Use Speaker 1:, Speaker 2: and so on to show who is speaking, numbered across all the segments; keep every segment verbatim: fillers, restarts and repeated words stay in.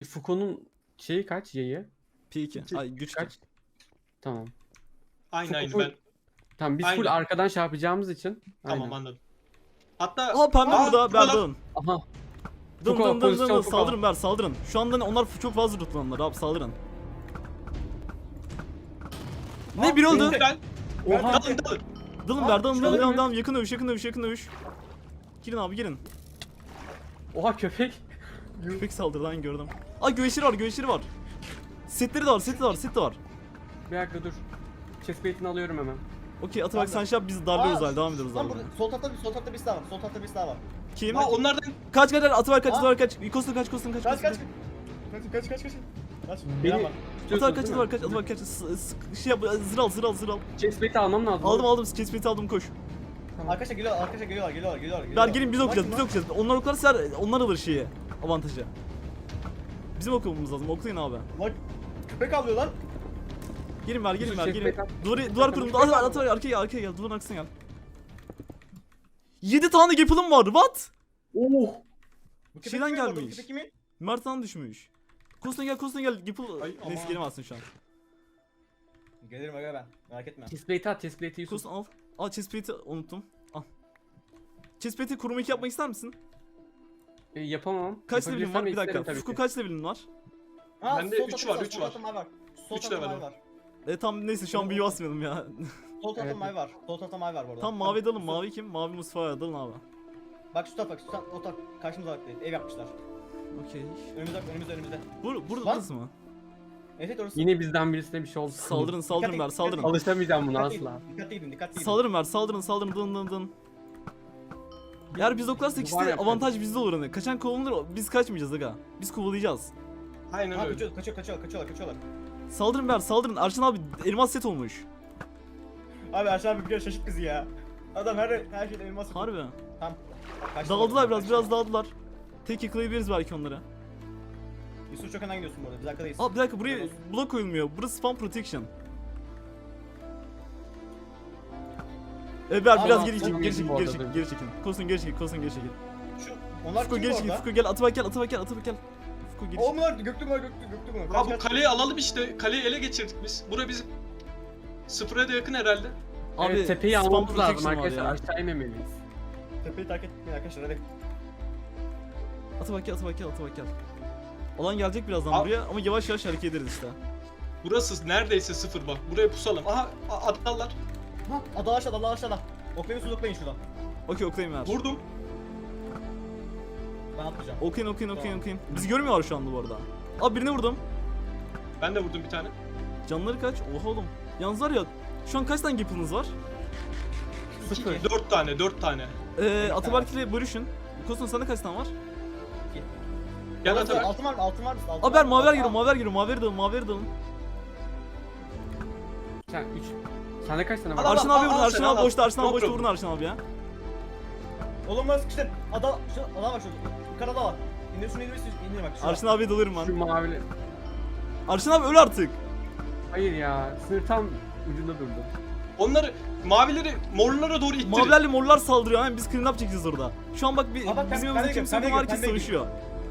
Speaker 1: Foucault'un şeyi kaç yayı?
Speaker 2: P iki. Ay güç
Speaker 1: Kaç? Tamam.
Speaker 3: Aynı aynı
Speaker 1: Full-
Speaker 3: ben.
Speaker 1: Tamam biz full
Speaker 3: Aynen.
Speaker 1: arkadan şey yapacağımız için.
Speaker 3: Tamam
Speaker 1: Aynen.
Speaker 3: anladım. Hatta
Speaker 2: Aa pembe
Speaker 3: Aa,
Speaker 2: burada.
Speaker 3: buralar.
Speaker 2: Berdan.
Speaker 1: Aha.
Speaker 2: Dın
Speaker 1: Foucault,
Speaker 2: dın dın dın
Speaker 1: pozisyon
Speaker 2: dın.
Speaker 1: Foucault.
Speaker 2: Saldırın Ber saldırın. Şu anda onlar çok fazla lootlanırlar abi saldırın. Ne bir oldu?
Speaker 3: ben
Speaker 1: Oha.
Speaker 3: dalın dalın.
Speaker 2: Dalın
Speaker 3: Aa,
Speaker 2: Ber dalın
Speaker 3: şurada
Speaker 2: dalın dalın
Speaker 1: bir-
Speaker 2: dalın. Yakın dövüş yakın dövüş yakın dövüş. Girin abi girin.
Speaker 1: Oha köpek.
Speaker 2: Köpek saldırdı lan gördüm. Aa güveçleri var güveçleri var. Setleri de var seti de var set de var.
Speaker 1: Bir dakika dur. Chestplate'ini alıyorum hemen.
Speaker 2: Okey Atabak sen şey yap biz darlıyoruz
Speaker 4: Aa,
Speaker 2: hali devam ediyoruz
Speaker 4: Lan
Speaker 2: abi.
Speaker 4: burada sol tarafta bir sol tarafta bir daha var. Sol tarafta bir daha var.
Speaker 2: Kim?
Speaker 3: Ha onlardan
Speaker 2: Kaç kaç Atabak kaç
Speaker 4: Aa.
Speaker 2: Atabak kaç. Kostun kaç Kostun kaç.
Speaker 4: Kaç
Speaker 2: Kostun
Speaker 4: kaç. Kaç kaç kaç kaç. Kaç.
Speaker 1: Beni
Speaker 4: Beni var.
Speaker 2: Atabak kaç
Speaker 1: tutuyorsun
Speaker 2: Atabak kaç Atabak kaç. S- s- Şey yap zır al zır al zır al.
Speaker 1: Chestplate'i almam lazım.
Speaker 2: Aldım aldım chestplate'i aldım koş.
Speaker 4: Arkadaşlar geliyorlar, arkadaşlar geliyorlar, geliyorlar, geliyorlar.
Speaker 2: Ver
Speaker 4: geliyorlar.
Speaker 2: gelin biz okuyacağız biz
Speaker 4: Bak,
Speaker 2: okuyacağız. Onlar oklarsa onlar alır şeyi. Avantajı. Bizim okumamız lazım oklayın abi.
Speaker 4: Bak köpek avlıyor lan.
Speaker 2: Gelin ver gelin
Speaker 1: Yusuf,
Speaker 2: ver
Speaker 1: şey,
Speaker 2: gelin.
Speaker 1: backup.
Speaker 2: Duvar, duvar kurun. At at at arkaya gel arkaya gel. Duvarın arkasına gel. yedi tane gapılım var. What?
Speaker 1: Oh.
Speaker 4: Bu köpek
Speaker 2: Şeyden
Speaker 4: kimin bu arada? Bu
Speaker 2: gelmiş.
Speaker 4: köpek kimin?
Speaker 2: Mert'ten düşmüş. Kostuna gel Kostuna gel. Gapıl.
Speaker 3: Ay,
Speaker 2: Neyse
Speaker 3: aman.
Speaker 2: gelemezsin şu an.
Speaker 4: Gelirim aga ben. Merak etme.
Speaker 1: Chestplate'i at, chestplate'i Yusuf.
Speaker 2: Kostuna al. Al chestplate'i unuttum. Al. Chestplate'i kuruma iki yapmak ister misin?
Speaker 1: E, yapamam.
Speaker 2: Kaç levelin var? Bir
Speaker 1: Yapabilirsem
Speaker 2: dakika.
Speaker 1: isterim tabii
Speaker 2: Fufku
Speaker 1: ki.
Speaker 2: kaç levelin var?
Speaker 4: Ha,
Speaker 3: Bende
Speaker 4: sol
Speaker 3: üç
Speaker 4: tarafta
Speaker 3: var,
Speaker 4: sol
Speaker 3: üç
Speaker 4: tarafta
Speaker 3: var.
Speaker 4: mavi var. Sol
Speaker 3: Üç
Speaker 4: tarafta
Speaker 3: level
Speaker 4: mavi
Speaker 3: o.
Speaker 4: var.
Speaker 2: E tam neyse şu an büyü basmayalım ya.
Speaker 4: Sol tarafta
Speaker 1: Evet.
Speaker 4: mavi var. Sol tarafta mavi var bu arada.
Speaker 2: Tam mavi dalın. Mavi kim? Mavi Mustafa'ya dalın abi.
Speaker 4: Bak şu tarafa bak, şu taraf, o taraf karşımıza bak. Ev yapmışlar.
Speaker 2: Okey.
Speaker 4: Önümüzde, önümüzde, önümüzde.
Speaker 2: Bur burada
Speaker 4: Lan.
Speaker 2: burası mı?
Speaker 4: Evet evet orası.
Speaker 1: Yine bizden birisine bir şey oldu.
Speaker 2: Saldırın saldırın
Speaker 4: Dikkat
Speaker 2: ver
Speaker 4: et,
Speaker 2: saldırın.
Speaker 4: dikkat et.
Speaker 1: Alışamayacağım buna
Speaker 4: Dikkatli
Speaker 1: asla.
Speaker 4: gidin, dikkatli gidin, dikkatli gidin.
Speaker 2: Saldırın ver saldırın saldırın dın dın dın. Eğer biz oklarsak
Speaker 1: Bu var
Speaker 2: işte
Speaker 1: ya,
Speaker 2: avantaj bizde olur hani. Kaçan kovalanır biz kaçmayacağız aga. Biz kovalayacağız.
Speaker 3: aynen
Speaker 4: Ha
Speaker 3: öyle.
Speaker 4: kaçıyorlar, kaçıyor, kaçıyorlar, kaçıyorlar, kaçıyorlar.
Speaker 2: Saldırın ver saldırın. Arşan abi elmas set olmuş.
Speaker 4: Abi Erşen abi bir kere şaşırt bizi ya. Adam her her şeyden elmas.
Speaker 2: Harbi.
Speaker 4: Tamam. Kaçtı
Speaker 2: Dağıldılar
Speaker 4: orada,
Speaker 2: biraz
Speaker 4: kaçtı.
Speaker 2: biraz dağıldılar. Tek yakalayabiliriz belki onları.
Speaker 4: Yusuf çok önden gidiyorsun bu arada. Biz arkadayız.
Speaker 2: Aa bir dakika buraya blok koyulmuyor. Burası spam protection. E biraz
Speaker 4: Aa,
Speaker 2: biraz
Speaker 4: aa,
Speaker 2: geri çekin,
Speaker 1: tamam,
Speaker 2: geri çekin,
Speaker 1: bu
Speaker 2: geri
Speaker 1: arada.
Speaker 2: çekin, geri çekin. Kosun geri çekin, kosun geri çekin.
Speaker 4: Şu onlar
Speaker 2: Fuko
Speaker 4: kim
Speaker 2: geri
Speaker 4: bu
Speaker 2: çekin,
Speaker 4: arada?
Speaker 2: Fuko gel, Atabak gel, Atabak gel, Atabak gel. Fuko geri
Speaker 4: O
Speaker 2: çekin.
Speaker 4: bunlar göktü mü göktü göktü mü?
Speaker 3: Ha bu kaleyi alalım işte. Kaleyi ele geçirdik biz. Bura bizim sıfıra da yakın herhalde.
Speaker 2: Abi
Speaker 1: Evet, tepeyi
Speaker 2: spam
Speaker 1: almamız lazım
Speaker 2: protection var
Speaker 1: arkadaşlar.
Speaker 2: ya.
Speaker 1: Aşağı inmemeliyiz.
Speaker 4: Tepeyi terk etmeyin arkadaşlar hadi.
Speaker 2: Atabak gel, Atabak gel, Atabak gel. Alan gelecek birazdan
Speaker 3: Al.
Speaker 2: buraya ama yavaş yavaş hareket ederiz işte.
Speaker 3: Burası neredeyse sıfır bak. Buraya pusalım. Aha a- adamlar.
Speaker 4: Ha ada aşağıda ada aşağıda. Oklayın su oklayın şuradan.
Speaker 2: Okey oklayın ver.
Speaker 3: Vurdum.
Speaker 4: Ben atlayacağım.
Speaker 2: Okuyun okuyun okuyun
Speaker 4: Tamam.
Speaker 2: okuyun. Bizi görmüyorlar şu anda bu arada. Abi birini vurdum.
Speaker 3: Ben de vurdum bir tane.
Speaker 2: Canları kaç? Oha oğlum. Yalnız var ya şu an kaç tane gapınız var?
Speaker 1: Sıfır.
Speaker 3: Dört tane, dört tane.
Speaker 2: Ee, Ataberk ile bölüşün. Kosun sende kaç tane var?
Speaker 3: Gel
Speaker 4: Altın-
Speaker 3: Atabek.
Speaker 4: Altın var mı? Altın var mı? Altın
Speaker 2: Abi ben
Speaker 4: var mı?
Speaker 2: maver
Speaker 4: Altın-
Speaker 2: giriyorum, maver giriyorum, maver dalın, maver dalın.
Speaker 1: Sen üç. Sende kaç tane
Speaker 3: Al,
Speaker 1: var?
Speaker 3: al.
Speaker 2: Arşın abi vurun,
Speaker 3: al
Speaker 2: Arşın
Speaker 3: sen,
Speaker 2: abi
Speaker 3: al.
Speaker 2: boşta, Arşın abi
Speaker 3: Yok,
Speaker 2: boşta
Speaker 3: yok.
Speaker 2: vurun Arşın abi ya.
Speaker 4: Oğlum ben sıkıştım. Ada şu adam var şurada. Yukarıda var. İndir şunu indir indir bak. şurada.
Speaker 2: Arşın abiye dalıyorum
Speaker 1: Şu
Speaker 2: ben.
Speaker 1: mavili.
Speaker 2: Arşın abi öl artık.
Speaker 1: Hayır ya. Sınır tam ucunda durdu.
Speaker 3: Onları, mavileri morlara doğru ittirin.
Speaker 2: Mavilerle morlar saldırıyor, hemen biz clean up çekeceğiz orada. Şu an bak bir,
Speaker 4: Aa, bak,
Speaker 2: bizim
Speaker 4: ben-
Speaker 2: yanımızda
Speaker 4: ben de
Speaker 2: kimse yok
Speaker 4: geliyorum,
Speaker 2: ama
Speaker 4: ben de
Speaker 2: herkes
Speaker 4: geliyorum.
Speaker 2: savaşıyor.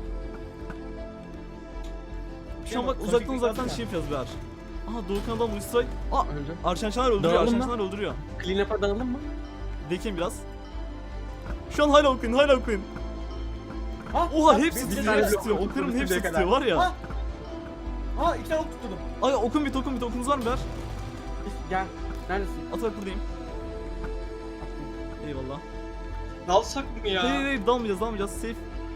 Speaker 2: Şu an bak
Speaker 4: Son
Speaker 2: uzaktan
Speaker 4: teknik
Speaker 2: uzaktan
Speaker 4: atma.
Speaker 2: şey yapacağız beyler. Aha Doğukan adam Strike. Aa
Speaker 1: Öldü.
Speaker 2: Arşan Şaner öldürüyor,
Speaker 1: Dağılın
Speaker 2: Arşan
Speaker 1: mı?
Speaker 2: Şaner öldürüyor.
Speaker 1: Clean up'a dağılalım mı?
Speaker 2: Bekleyin biraz. Şu an hala okuyun, hala okuyun.
Speaker 4: Ha,
Speaker 2: Oha
Speaker 4: ha,
Speaker 2: hepsi
Speaker 4: bir-
Speaker 2: tutuyor,
Speaker 4: bir-
Speaker 2: hepsi
Speaker 1: bir-
Speaker 2: tutuyor.
Speaker 1: bir-
Speaker 2: Oklarımın
Speaker 1: bir-
Speaker 2: hepsi
Speaker 1: bir-
Speaker 2: tutuyor var ya.
Speaker 4: Ha. Ha iki tane ok tuttum.
Speaker 2: Ay okun bit, okun bit, okunuz var mı beyler?
Speaker 1: Gel. Neredesin?
Speaker 2: Atak buradayım. Eyvallah.
Speaker 3: Dalsak mı ya?
Speaker 2: Hayır hayır hayır, dalmayacağız dalmayacağız safe.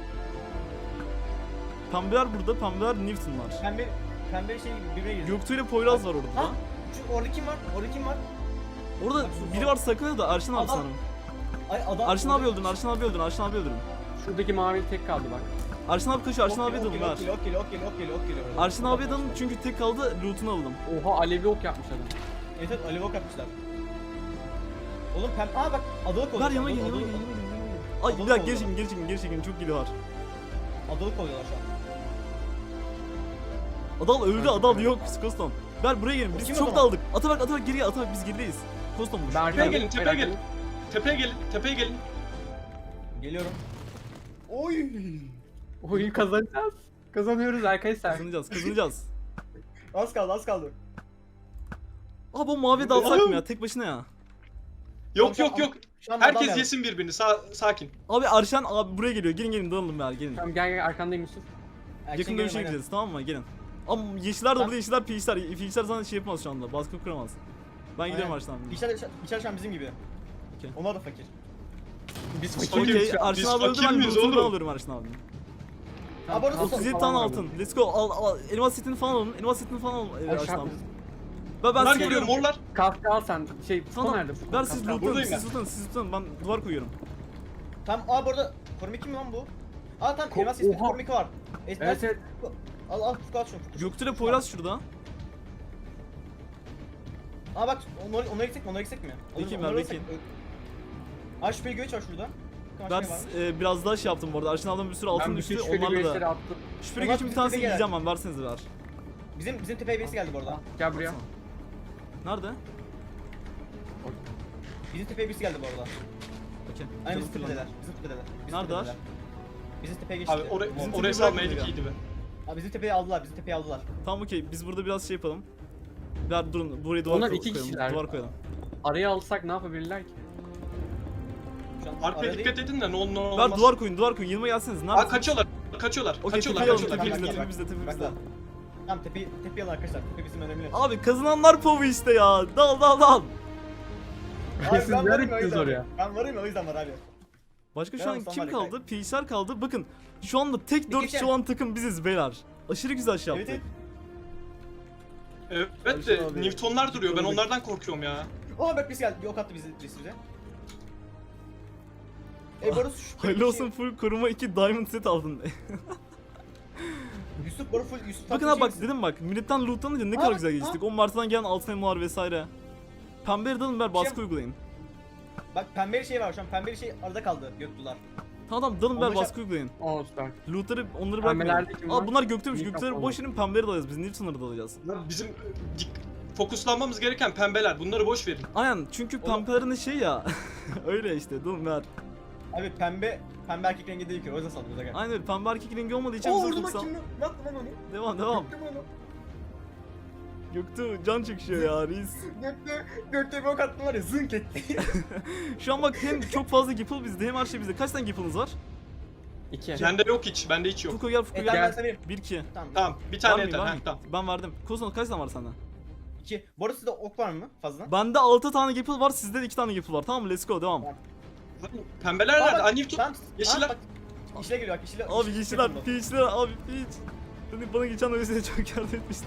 Speaker 2: Pembeler burada, pembeler Newton'lar.
Speaker 4: Pembe pembe şey gibi birbirine girdi.
Speaker 2: Göktuğ ile Poyraz var orada.
Speaker 4: Ha? Şu orada kim var? Orada kim var?
Speaker 2: Orada
Speaker 4: Bak, şu-
Speaker 2: biri var sakın da Arşın abi
Speaker 4: Adam-
Speaker 2: sanırım.
Speaker 4: Ay adam.
Speaker 2: Arşın abi öldürün, Arşın abi öldürün, Arşın abi öldürün.
Speaker 1: Şuradaki mavili tek kaldı bak.
Speaker 2: Arşın abi kaçıyor, Arşın abiye dalın ver.
Speaker 4: Okey okey okey okey okey.
Speaker 2: Arşın abiye dalın çünkü tek kaldı, loot'unu alalım.
Speaker 1: Oha alevli ok yapmış adam.
Speaker 4: Evet evet alev ok yapmışlar. Oğlum pem... Aa bak adalık oldu.
Speaker 2: Ver yanıma gel, yanıma gel, yanıma gel, yanıma gel. Ay bir dakika geri çekin, geri çekin, geri çekin, çok gili var.
Speaker 4: Adalık oluyorlar şu an.
Speaker 2: Adal öldü, Adal yok, Koston. Ver buraya gelin, biz
Speaker 4: Kim
Speaker 2: çok
Speaker 4: o zaman?
Speaker 2: daldık. Atabak, Atabak geriye, Atabak biz gerideyiz. Koston bu.
Speaker 1: Ben
Speaker 3: Tepeye
Speaker 1: arkaya-
Speaker 3: gelin, tepeye gelin. Tepeye gelin, tepeye gelin.
Speaker 4: Geliyorum. Oy.
Speaker 1: Oyun kazanacağız. Kazanıyoruz arkadaşlar.
Speaker 2: Kazanacağız kazanacağız.
Speaker 4: Az kaldı az kaldı.
Speaker 2: Abi bu mavi dalsak mı ya tek başına ya?
Speaker 3: Yok
Speaker 4: Tamam,
Speaker 3: yok yok.
Speaker 4: Şu an adam
Speaker 3: Herkes
Speaker 4: geldi.
Speaker 3: yesin birbirini. Sa- sakin.
Speaker 2: Abi Arşan abi buraya geliyor gelin gelin dalalım ya gelin.
Speaker 1: Tamam gel gel arkandayım Yusuf.
Speaker 4: Erken
Speaker 2: Yakın
Speaker 4: gelin,
Speaker 2: dövüşe
Speaker 4: aynen.
Speaker 2: gideceğiz tamam mı gelin. Ama yeşiller de burada yeşiller piçler. Piçler sana şey yapmaz şu anda baskı kuramaz. Ben gidiyorum
Speaker 4: Aynen.
Speaker 2: Arşan abi.
Speaker 4: İçer, içer şu an bizim gibi.
Speaker 2: Okey.
Speaker 4: Onlar da fakir.
Speaker 1: Biz
Speaker 3: Okey.
Speaker 1: fakiriz
Speaker 2: Okey
Speaker 1: şu an.
Speaker 2: Arşan
Speaker 3: Biz
Speaker 2: abi öldü
Speaker 3: fakir
Speaker 2: ben
Speaker 3: miyiz
Speaker 2: loot'unu
Speaker 3: oğlum?
Speaker 2: alıyorum Arşan abi.
Speaker 4: Abi orası
Speaker 2: otuz yedi tane altın. Let's go. Al, al. Elmas setini falan alın. Elmas setini falan alın. Ee, Arşan abi. Ben, ben
Speaker 3: Bunlar
Speaker 2: size
Speaker 3: geliyor
Speaker 2: veriyorum.
Speaker 3: morlar.
Speaker 1: Kaskı al sen. Şey Fuko
Speaker 2: Tamam.
Speaker 1: nerede Fuko?
Speaker 2: Ver siz
Speaker 1: Kaskı al.
Speaker 2: loot'unu.
Speaker 3: Buradayım
Speaker 2: Siz
Speaker 3: ben.
Speaker 2: tutun. Siz tutun. Ben duvar koyuyorum.
Speaker 4: Tamam abi orada koruma kim lan bu? Aa tamam
Speaker 1: Ko-
Speaker 4: elmas ismi
Speaker 1: Oha.
Speaker 4: koruma iki var.
Speaker 1: Evet
Speaker 4: Elmas
Speaker 1: evet.
Speaker 4: al al Fuku al şunu. Fuku.
Speaker 2: Göktürk Poyraz şurada.
Speaker 4: Aa bak onları onları gitsek mi onları gitsek mi? Onları-
Speaker 2: Bekleyin,
Speaker 4: onları
Speaker 2: ben
Speaker 4: alırsak- Aa şüpheli göç var şurada. Bakın
Speaker 2: Ben
Speaker 4: aşağıya var.
Speaker 2: e, biraz daha şey yaptım bu arada. Arşan ablam bir sürü altın
Speaker 1: Ben
Speaker 2: düştü.
Speaker 1: bütün şüpheli
Speaker 2: Onlarla
Speaker 1: güreşleri
Speaker 2: da.
Speaker 1: attım.
Speaker 2: Şüpheli
Speaker 4: Onlar
Speaker 2: geçin bir
Speaker 4: bizim
Speaker 2: tanesini
Speaker 4: tepeye
Speaker 2: yiyeceğim ben. Versenize ver.
Speaker 4: Bizim bizim tepeye birisi geldi bu arada.
Speaker 1: Gel buraya.
Speaker 2: Baksana. Nerede?
Speaker 4: Bizim tepeye birisi geldi bu arada.
Speaker 2: Okey.
Speaker 4: Aynen
Speaker 2: Canım
Speaker 4: bizim
Speaker 2: fırlandı.
Speaker 4: tepedeler. Bizim tepedeler. Bizim
Speaker 2: Neredeler?
Speaker 4: tepedeler. Bizim tepeye geçti.
Speaker 3: Abi oraya,
Speaker 2: Bizim
Speaker 3: oraya
Speaker 2: tipi
Speaker 3: salmayaydık
Speaker 2: bırakmadık
Speaker 3: iyiydi be.
Speaker 4: Abi bizim tepeyi aldılar. Bizim tepeyi aldılar.
Speaker 2: Tamam okey. Biz burada biraz şey yapalım. Ver durun. Buraya duvar
Speaker 1: Onlar
Speaker 2: koy-
Speaker 1: iki
Speaker 2: koyalım.
Speaker 1: kişiler.
Speaker 2: Duvar koyalım.
Speaker 1: Araya alsak ne yapabilirler ki?
Speaker 4: Şu an
Speaker 3: Arkaya
Speaker 4: arada
Speaker 3: dikkat
Speaker 4: değil.
Speaker 3: edin de ne olur ne
Speaker 2: Ver
Speaker 3: olmaz.
Speaker 2: duvar koyun. Duvar koyun. Yanıma gelseniz. Nerede?
Speaker 3: Aa kaçıyorlar. Kaçıyorlar.
Speaker 2: Okey
Speaker 3: kaçıyorlar.
Speaker 2: tepeyi alın.
Speaker 3: Kaçıyorlar.
Speaker 2: Tepemizde.
Speaker 4: Bak, bak,
Speaker 2: Tepemizde. Tepemizde.
Speaker 4: Bak, bak. Tamam tepeyi tepeyi alın arkadaşlar. Tepe bizim önemli.
Speaker 2: Abi kazananlar povu işte ya. Dal dal dal.
Speaker 4: Abi
Speaker 1: Siz
Speaker 4: ben
Speaker 1: nereye
Speaker 4: varım ya, o
Speaker 1: gittiniz
Speaker 4: yüzden.
Speaker 1: oraya?
Speaker 4: Ben varım ya o yüzden var abi.
Speaker 2: Başka şu
Speaker 4: Ben
Speaker 2: an
Speaker 4: olsam
Speaker 2: kim
Speaker 4: var ya,
Speaker 2: kaldı? Piçler kaldı. Bakın şu anda tek dört
Speaker 4: kişi.
Speaker 2: kişi olan takım biziz beyler. Aşırı güzel şey
Speaker 4: Evet,
Speaker 2: yaptık.
Speaker 4: evet.
Speaker 3: Evet de
Speaker 1: Arşan abi.
Speaker 3: Newtonlar duruyor. Ben onlardan korkuyorum ya.
Speaker 4: Aa bak birisi geldi. Bir ok attı bizi birisi bize. E Barış şu
Speaker 2: Hayırlı olsun full koruma iki diamond set aldın.
Speaker 4: Yusuf Barış full Yusuf.
Speaker 2: Bakın
Speaker 4: tatlı
Speaker 2: abi bak
Speaker 4: şey
Speaker 2: dedim bak milletten lootlanınca ne
Speaker 4: Aa,
Speaker 2: kadar
Speaker 4: bak,
Speaker 2: güzel
Speaker 4: aa.
Speaker 2: geçtik. O Mart'tan gelen altın elmalar vesaire. Pembe dalın ver baskı
Speaker 4: Şey-
Speaker 2: uygulayın.
Speaker 4: Bak pembeli şey var şu an. Pembeli şey arada kaldı Göktular.
Speaker 2: Tamam tamam dalın ver
Speaker 4: Onlar
Speaker 2: baskı uygulayın.
Speaker 1: Oo süper.
Speaker 2: Lootları onları
Speaker 1: Pembelerde
Speaker 2: bırakmayın.
Speaker 1: kim
Speaker 2: Aa
Speaker 1: var?
Speaker 2: bunlar göktürmüş.
Speaker 1: Mikrofon
Speaker 2: Gökleri
Speaker 1: var.
Speaker 2: boş verin pembeleri dalacağız. Biz Newton'ları dalacağız.
Speaker 3: Bizim e, dik- fokuslanmamız gereken pembeler. Bunları boş verin.
Speaker 2: Aynen çünkü
Speaker 4: Oğlum-
Speaker 2: pembelerin şey ya. Öyle işte dalın ver.
Speaker 4: Abi pembe pembe erkek rengi değil ki o yüzden sallıyoruz aga.
Speaker 2: Aynen öyle pembe erkek rengi olmadığı için
Speaker 4: Oo
Speaker 2: bize
Speaker 4: vurdum bak
Speaker 2: fokuslan.
Speaker 4: kim lan? Ne yaptın lan onu?
Speaker 2: Devam devam.
Speaker 4: Göktü onu.
Speaker 2: Göktuğ can çekişiyor ya reis.
Speaker 4: Göktü, Göktü bir ok attım var ya zınk etti.
Speaker 2: Şu an bak hem çok fazla gipple bizde hem her şey bizde. Kaç tane gipple'ınız var?
Speaker 1: İki.
Speaker 3: Bende yok hiç. Bende hiç yok.
Speaker 2: Fuko gel Fuko
Speaker 4: E
Speaker 2: gel.
Speaker 4: tamam ben
Speaker 1: Gel.
Speaker 4: sana vereyim.
Speaker 2: bir iki.
Speaker 4: Tamam.
Speaker 3: Tamam. Bir
Speaker 2: Var
Speaker 3: tane
Speaker 2: mıyım,
Speaker 3: yeter.
Speaker 2: var
Speaker 3: Heh,
Speaker 2: mıyım?
Speaker 3: tamam.
Speaker 2: Ben verdim. Kozon kaç tane var sende?
Speaker 4: İki. Bu arada sizde ok var mı fazla?
Speaker 2: Bende altı tane gipple var, sizde de iki tane gipple var. Tamam mı? Let's go devam.
Speaker 3: Pembeler
Speaker 4: Aa,
Speaker 3: nerede?
Speaker 4: bak,
Speaker 3: Aa Newton.
Speaker 4: Tamam.
Speaker 3: Yeşiller.
Speaker 4: Aa, bak. İşle geliyor bak işle.
Speaker 2: Abi
Speaker 4: işle-
Speaker 2: yeşiller,
Speaker 4: işle-
Speaker 2: peachler, abi peach. Hani bana geçen öylesine çok yardım etmişti.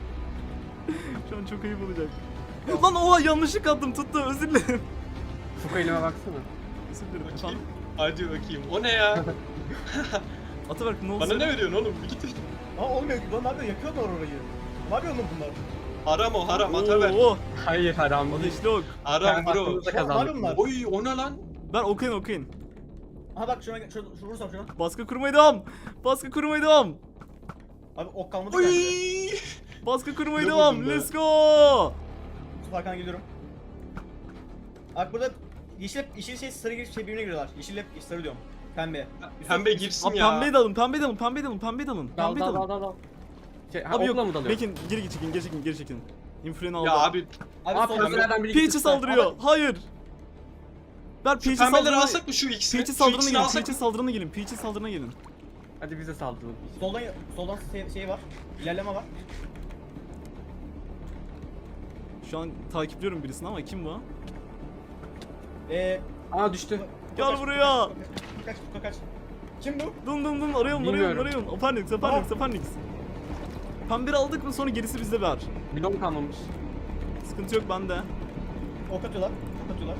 Speaker 2: Şu an çok ayıp olacak. Lan oha yanlışlık attım tuttu özür dilerim.
Speaker 1: Fuko elime baksana.
Speaker 2: Özür dilerim
Speaker 3: Bakayım.
Speaker 2: efendim.
Speaker 3: Hadi bakayım. O ne ya?
Speaker 2: Ataberk ne oldu?
Speaker 3: Bana
Speaker 2: senin?
Speaker 3: ne veriyorsun oğlum? Bir git.
Speaker 4: Aa olmuyor ki lan ne yapıyor yakıyorlar orayı. Ne yapıyor lan bunlar?
Speaker 3: Haram o haram. Ataber.
Speaker 2: Oo,
Speaker 1: Hayır haram değil.
Speaker 2: ateşli ok.
Speaker 3: Haram bro.
Speaker 1: Hakkımızda
Speaker 4: Ne yapıyor
Speaker 1: kazandık.
Speaker 4: bunlar?
Speaker 3: Oy o ne lan?
Speaker 2: Ben okuyun okuyun.
Speaker 4: Aha bak şuna şuna şuna vursam şuna.
Speaker 2: Baskı kurmaya devam. Baskı kurmaya devam.
Speaker 4: Abi ok kalmadı
Speaker 3: Oy.
Speaker 4: bende.
Speaker 2: Baskı kurmaya
Speaker 3: Ne
Speaker 2: devam.
Speaker 3: vurdun be?
Speaker 2: Let's go.
Speaker 4: Yusuf Hakan'a geliyorum. Bak burada yeşil yeşil şey sarı gibi şey birbirine giriyorlar. Yeşil hep sarı diyorum. Pembe. Yusuf-
Speaker 3: Pembe
Speaker 4: Yusuf-
Speaker 3: girsin
Speaker 2: Abi
Speaker 3: ya.
Speaker 2: pembeyi de alın, pembeyi de alın, pembeyi de alın, pembeyi de alın.
Speaker 1: Dal
Speaker 2: Pembeyi de
Speaker 1: dal
Speaker 2: alın.
Speaker 1: dal dal. Şey, ha,
Speaker 2: Abi
Speaker 1: okla
Speaker 2: yok,
Speaker 1: mı dalıyor?
Speaker 2: Bekin geri çekin, geri çekin, geri çekin. Influencer aldı.
Speaker 3: Ya abi
Speaker 4: Abi
Speaker 1: Aa
Speaker 4: sol
Speaker 1: pembelerden biri
Speaker 2: Peach'i
Speaker 1: gitti.
Speaker 2: saldırıyor. Hayır. Ver
Speaker 3: şu
Speaker 2: Peach'i
Speaker 3: pembeleri
Speaker 2: saldırına.
Speaker 3: alsak mı şu ikisini?
Speaker 2: Peach'i
Speaker 3: Şu
Speaker 2: saldırına
Speaker 3: ikisini
Speaker 2: gelin,
Speaker 3: alsak
Speaker 2: Peach'i
Speaker 3: mı?
Speaker 2: saldırına gelin, Peach'i saldırına gelin.
Speaker 1: Hadi bize saldıralım.
Speaker 4: Soldan soldan şey, şey var. İlerleme var.
Speaker 2: Şu an takipliyorum birisini ama kim bu?
Speaker 4: Eee
Speaker 1: Aa düştü.
Speaker 2: Gel buraya.
Speaker 4: Kaç kaç kaç. Kim bu?
Speaker 2: Dın dın dın arayalım, arayalım,
Speaker 1: Bilmiyorum.
Speaker 2: arayalım. Apernix, Apernix,
Speaker 4: Aa.
Speaker 2: Apernix. Pembeyi aldık mı sonra gerisi bizde ver.
Speaker 1: Bilom kalmamış.
Speaker 2: Sıkıntı yok bende.
Speaker 4: Ok atıyorlar. Ok atıyorlar.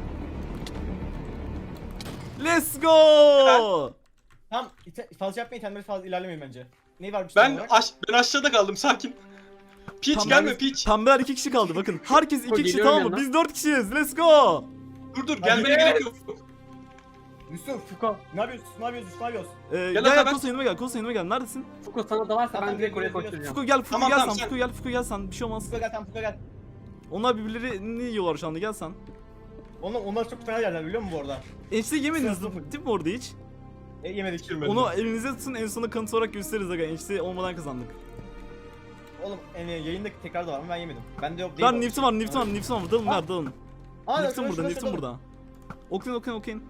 Speaker 2: Let's go.
Speaker 4: Tamam ite- fazla yapmayın itemleri fazla ilerlemeyin bence. Ne var bir şey
Speaker 3: Ben
Speaker 4: olarak?
Speaker 3: aş ben aşağıda kaldım sakin. Peach
Speaker 2: Pembe-
Speaker 3: gelme Peach.
Speaker 2: Pembeler iki kişi kaldı bakın. Herkes iki kişi
Speaker 1: Geliyorum
Speaker 2: tamam mı?
Speaker 1: yanına.
Speaker 2: Biz dört kişiyiz. Let's go.
Speaker 3: Dur dur
Speaker 4: Hadi
Speaker 3: gelmene
Speaker 4: gel.
Speaker 3: gerek yok.
Speaker 4: Yusuf.
Speaker 1: Fuko.
Speaker 4: Ne yapıyorsun? Ne yapıyorsun? Ne yapıyorsun?
Speaker 2: Ee, gel
Speaker 3: Gel
Speaker 2: gel
Speaker 3: Ataberk.
Speaker 2: Kosa yanıma gel. Kosa yanıma gel. Neredesin?
Speaker 1: Fuko sana dalarsa
Speaker 4: Tamam,
Speaker 1: ben direkt oraya
Speaker 4: geliyorum,
Speaker 1: koşturacağım.
Speaker 2: Fuko gel, Fuko
Speaker 3: Tamam,
Speaker 2: gel
Speaker 3: tamam,
Speaker 2: sen.
Speaker 3: sen-
Speaker 2: Fuko gel, Fuko gel sen. Bir şey olmaz.
Speaker 4: Fuka gel tamam Fuka gel.
Speaker 2: Onlar birbirlerini yiyorlar şu anda. Gel sen.
Speaker 4: Onlar, onlar çok fena yerler biliyor musun bu arada?
Speaker 2: Enişte yemediniz
Speaker 4: Sıra-
Speaker 2: değil mi orada hiç?
Speaker 4: E, yemedik.
Speaker 3: Geçirmedim.
Speaker 2: Onu elinize tutun, en sona kanıt olarak gösteririz aga. Enişte olmadan kazandık.
Speaker 4: Oğlum yani yayında tekrar da var ama ben yemedim. Ben de yok değil.
Speaker 2: Ver Newton var, Newton var, Newton var. Dalın ver, dalın.
Speaker 4: Aa,
Speaker 2: Newton
Speaker 4: şurada,
Speaker 2: burada,
Speaker 4: şurada,
Speaker 2: Newton
Speaker 4: şurada.
Speaker 2: burada. Okuyun, okuyun, okuyun.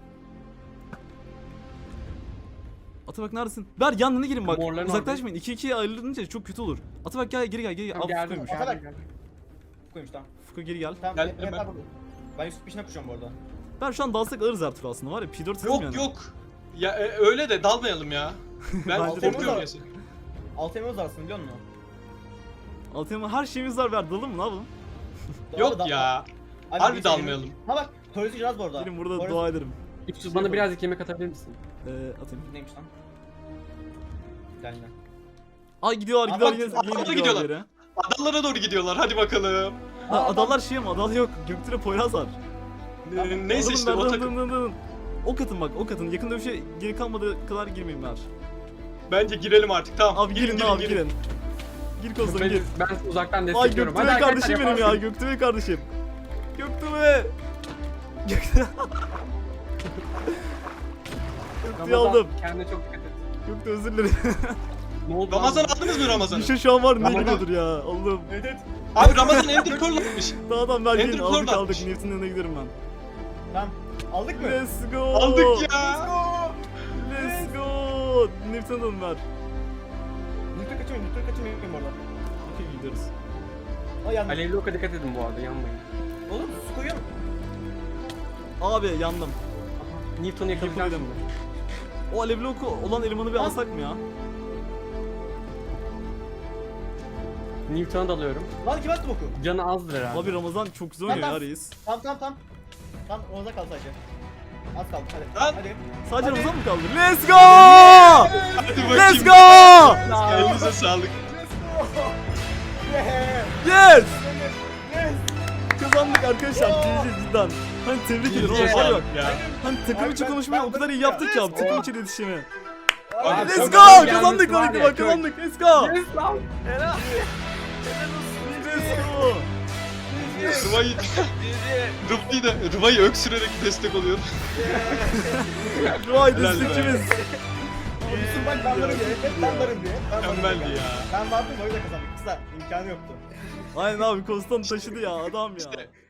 Speaker 2: Atabak neredesin? Ver yanına girin bak.
Speaker 1: Morların
Speaker 2: Uzaklaşmayın. iki ikiye ayrılınca çok kötü olur. Atabak gel, geri gel, geri gel.
Speaker 1: Tamam,
Speaker 2: Al
Speaker 1: geldim.
Speaker 2: Fuku'ymuş.
Speaker 4: Atabak.
Speaker 1: Geldim, geldim.
Speaker 4: Koymuş tamam.
Speaker 2: Fuku geri gel.
Speaker 4: Tamam.
Speaker 3: Geldim
Speaker 4: evet,
Speaker 3: ben.
Speaker 4: tamam. Ben Yusuf peşine koşuyorum bu arada.
Speaker 2: Ben şu an dalsak alırız her tur aslında var ya. P dört hızım
Speaker 3: Yok
Speaker 2: yani.
Speaker 3: yok. Ya e, öyle de dalmayalım ya. Ben
Speaker 2: Bence de
Speaker 3: korkuyorum
Speaker 4: öyle.
Speaker 3: ya seni.
Speaker 4: Altı emimiz varsın biliyor musun?
Speaker 2: Altıma her şeyimiz var, ver dalın mı, ne yapalım?
Speaker 4: Doğru,
Speaker 3: Yok
Speaker 4: da-
Speaker 3: ya.
Speaker 4: Abi,
Speaker 3: Harbi
Speaker 4: bir
Speaker 3: dalmayalım.
Speaker 4: şey- Ha bak, Torres'i yaz bu arada.
Speaker 2: Gelin burada
Speaker 4: Torres-
Speaker 2: dua ederim.
Speaker 1: Yusuf bana birazcık yemek atabilir misin?
Speaker 2: Ee, atayım.
Speaker 4: Neymiş lan? Geldi.
Speaker 2: Ay gidiyorlar,
Speaker 4: Aa,
Speaker 2: gidiyorlar,
Speaker 4: bak,
Speaker 2: yine,
Speaker 3: adamlar
Speaker 2: yine
Speaker 3: gidiyorlar.
Speaker 2: gidiyorlar. Yere.
Speaker 3: Adalara doğru gidiyorlar. Hadi bakalım.
Speaker 2: Ha,
Speaker 4: Aa,
Speaker 2: adalar şey ama adal yok. Göktürk'e Poyraz var.
Speaker 3: Ee, Neyse işte o takım.
Speaker 2: Ok atın bak, ok atın. Yakında bir şey geri kalmadığı kadar girmeyin ver.
Speaker 3: Bence girelim artık. Tamam.
Speaker 2: Abi girin, abi girin. Gir kozum
Speaker 1: Ben,
Speaker 2: gir.
Speaker 1: ben uzaktan
Speaker 2: Ay
Speaker 1: destekliyorum.
Speaker 2: Göktürk
Speaker 1: Hadi
Speaker 2: kardeşim
Speaker 1: arkadaşlar,
Speaker 2: benim ya,
Speaker 1: yaparsın.
Speaker 2: Göktürk kardeşim. Göktürk. Göktürk. Göktürk'ü
Speaker 1: Ramazan,
Speaker 2: aldım.
Speaker 1: kendine çok dikkat et.
Speaker 2: Göktürk özür dilerim.
Speaker 1: Ne oldu?
Speaker 3: Ramazan
Speaker 1: lan?
Speaker 3: aldınız mı Ramazan'ı?
Speaker 2: Bir şey şu an var, ne
Speaker 1: Ramazan.
Speaker 2: gidiyordur ya. Allah'ım.
Speaker 4: Evet evet.
Speaker 3: Abi Ramazan Ender Pearl atmış.
Speaker 2: Dağdan ver gelin,
Speaker 3: Ender
Speaker 2: aldık
Speaker 3: Pearl
Speaker 2: aldık.
Speaker 3: atmış.
Speaker 2: Newton'un yanına giderim ben.
Speaker 4: Tamam. Aldık mı?
Speaker 2: Let's go.
Speaker 3: Aldık ya.
Speaker 2: Let's go. Newton'un ver.
Speaker 4: Newton kaçırmayın, Newton kaçırmayın bu arada.
Speaker 2: Okey gidiyoruz.
Speaker 4: O yandı.
Speaker 1: Alevli oka dikkat edin bu arada, yanmayın.
Speaker 4: Oğlum su koyuyor mu?
Speaker 2: Abi yandım.
Speaker 1: Newton'u yakalayacağım
Speaker 2: Yakalayalım.
Speaker 1: şimdi.
Speaker 2: O alevli oku olan elemanı bir
Speaker 4: Lan.
Speaker 2: alsak mı ya?
Speaker 1: Newton'a dalıyorum.
Speaker 4: Lan kim attı boku?
Speaker 1: Canı azdır herhalde.
Speaker 2: Abi Ramazan çok güzel oynuyor
Speaker 4: Lan,
Speaker 2: ya
Speaker 4: lan.
Speaker 2: reis.
Speaker 4: Tamam tamam tamam. Tamam orada kal sadece. Az kaldı hadi.
Speaker 3: Lan.
Speaker 4: Hadi.
Speaker 2: Sadece
Speaker 4: Hadi.
Speaker 2: Ramazan mı kaldı? Let's go!
Speaker 3: Hadi bakayım.
Speaker 2: Let's go!
Speaker 3: Elinize sağlık.
Speaker 4: Yeah.
Speaker 2: Yes!
Speaker 4: Yes.
Speaker 2: Kazandık arkadaşlar. G G cidden. Hani tebrik ederim.
Speaker 3: Elinize
Speaker 2: Ama var bak.
Speaker 3: sağlık ya.
Speaker 2: Hani takım
Speaker 4: Abi
Speaker 2: içi
Speaker 4: ben-
Speaker 2: konuşmayı
Speaker 4: ben
Speaker 2: o kadar iyi
Speaker 4: bunu-
Speaker 2: yaptık ya.
Speaker 4: Let's
Speaker 2: Takım
Speaker 4: go.
Speaker 2: içi iletişimi.
Speaker 3: Abi,
Speaker 2: Let's
Speaker 3: çok
Speaker 2: go!
Speaker 1: güzel
Speaker 2: Kazandık
Speaker 1: gelmiş var
Speaker 2: hadi
Speaker 1: ya,
Speaker 2: bak
Speaker 1: çok-
Speaker 2: kazandık. Let's go!
Speaker 1: Yes lan!
Speaker 2: Let's go!
Speaker 3: Rıvayı... Rıvayı da Rıvayı öksürerek destek oluyor.
Speaker 2: Ruay
Speaker 3: Helal be.
Speaker 2: destekçimiz.
Speaker 4: Yusuf bak ben varım diye. Hep ben varım diye. Ben varım
Speaker 3: Mükemmeldi
Speaker 4: diye.
Speaker 3: ya.
Speaker 4: Ben vardım o yüzden kazandık. Kısa imkanı yoktu.
Speaker 2: Aynen abi Kostan taşıdı ya adam ya.
Speaker 3: İşte